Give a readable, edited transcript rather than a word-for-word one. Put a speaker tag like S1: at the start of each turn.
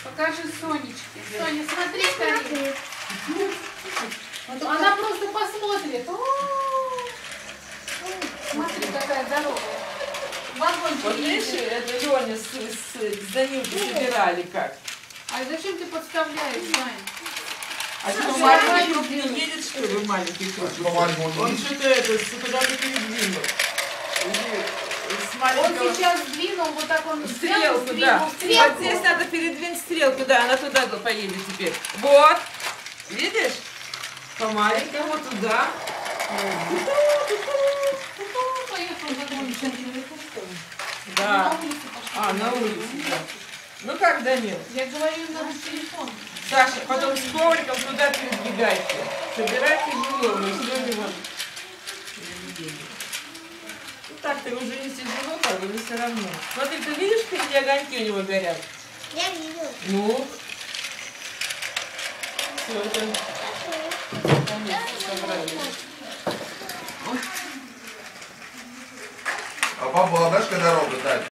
S1: Покажи Сонечке. Соня, смотри, скорее. Она просто посмотрит. Смотри, какая здоровая. Вагончик.
S2: Вот видишь, это Леня с Данилкой собирали как.
S1: А зачем ты подставляешь, Сань?
S2: А что, маленький круг не едет, что ли, маленький круг? Он что-то это, куда-то передвинул.
S1: Он сейчас сдвинул, вот так он
S2: Стрелку, да. Вот здесь надо передвинуть стрелку, да, она туда поедет теперь. Вот, видишь? По маленькому туда. Да. А, на улице, да. Ну как, Данил?
S1: Я говорю, надо телефон.
S2: Саша, потом с ковриком туда передвигайте. Собирать тяжело, мы сегодня вот. Ну так-то уже не тяжело, как бы, но все равно. Смотри, ты видишь, какие огоньки у него горят?
S3: Я вижу.
S2: Ну. Все, это... Собрали.
S4: А папа, знаешь, когда робот, Дань?